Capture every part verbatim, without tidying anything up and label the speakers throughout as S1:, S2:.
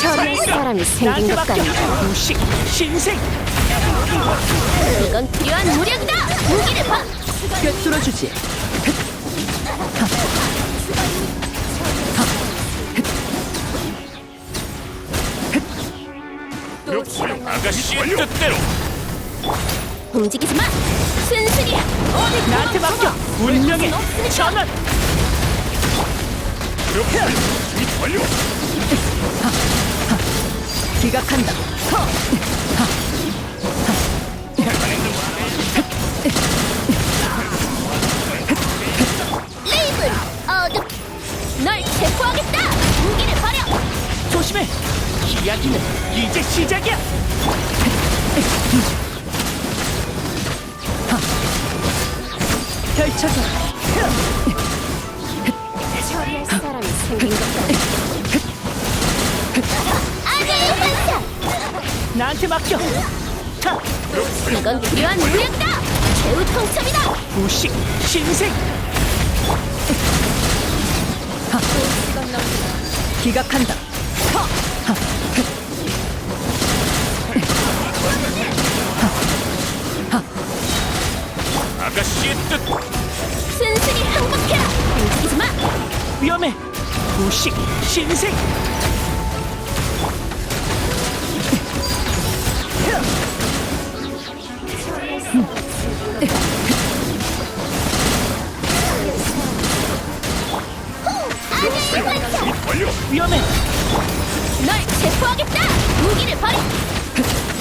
S1: 처리할 사람이 생긴 것 같네.
S2: 무식 신생.
S1: 이건 필요한 무력이다. 무기를 봐.
S2: 꿰뚫어주지.
S3: 아가씨의 뜻대로.
S1: 움직이지 마. 순순히 어디
S2: 나한테 맡겨. 운명의 전환.
S3: 그렇게 준비 완료.
S2: 기각한다.
S1: 레이븐 어둠. 널 체포하겠다. 무기를 버려.
S2: 조심해. 이야기는 이제 시작이야. 펼쳐져.
S1: 처리할 사람이 생긴 것 같네. 아재의 환상.
S2: 나한테 맡겨. 하,
S1: 이건 필요한 무력이다. 최후 통첩이다.
S2: 무식 신생. 하, 기각한다.
S3: 아가씨의 뜻.
S1: 순순히 항복해라. 움직이지 마.
S2: 위험해. 무식 신생.
S1: 아재의 환상.
S3: 준비 완료.
S2: 위험해.
S1: 널 체포하겠다. 무기를 버려.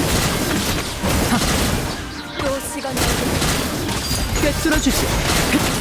S1: 또 시간
S2: 꿰뚫어주지.